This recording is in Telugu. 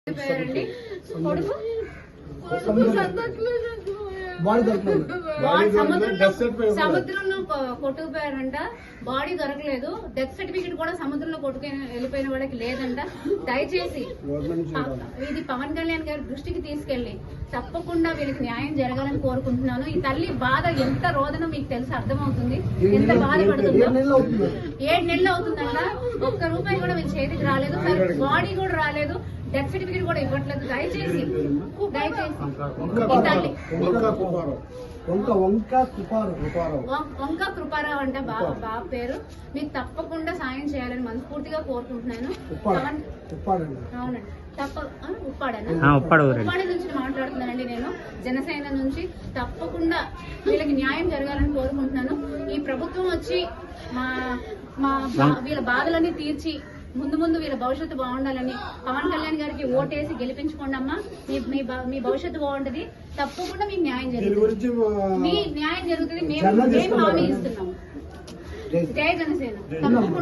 కొడుకు సముద్రంలో కొట్టుకుపోయారంట, బాడీ దొరకలేదు. డెత్ సర్టిఫికెట్ కూడా సముద్రంలో కొట్టుకు వెళ్ళిపోయిన వాళ్ళకి లేదంట. దయచేసి ఇది పవన్ కళ్యాణ్ గారి దృష్టికి తీసుకెళ్లి తప్పకుండా వీళ్ళకి న్యాయం జరగాలని కోరుకుంటున్నాను. ఈ తల్లి బాధ ఎంత రోదనో మీకు తెలిసి అర్థమవుతుంది, ఎంత బాధపడుతుందో. 7 నెలలు అవుతుందంట. ఒక్క రూపాయి కూడా వీళ్ళ చేతికి రాలేదు, బాడీ కూడా రాలేదు, డెత్ సర్టిఫికెట్ కూడా ఇవ్వట్లేదు. దయచేసి వంక కృపారావు అంట బాబు పేరు. మీకు తప్పకుండా సాయం చేయాలని మనస్ఫూర్తిగా కోరుకుంటున్నాను. అవునండి, ఉప్పాడ నుంచి మాట్లాడుతున్నానండి నేను, జనసేన నుంచి. తప్పకుండా వీళ్ళకి న్యాయం జరగాలని కోరుకుంటున్నాను. ఈ ప్రభుత్వం వచ్చి వీళ్ళ బాధలన్నీ తీర్చి ముందు ముందు వీళ్ళ భవిష్యత్తు బాగుండాలని పవన్ కళ్యాణ్ గారికి ఓటేసి గెలిపించుకోండి అమ్మా. మీ భవిష్యత్తు బాగుంటది. తప్పకుండా మీకు న్యాయం జరుగుతుంది. మీ న్యాయం జరుగుతుంది. మేము హామీ ఇస్తున్నాము. జై జనసేన.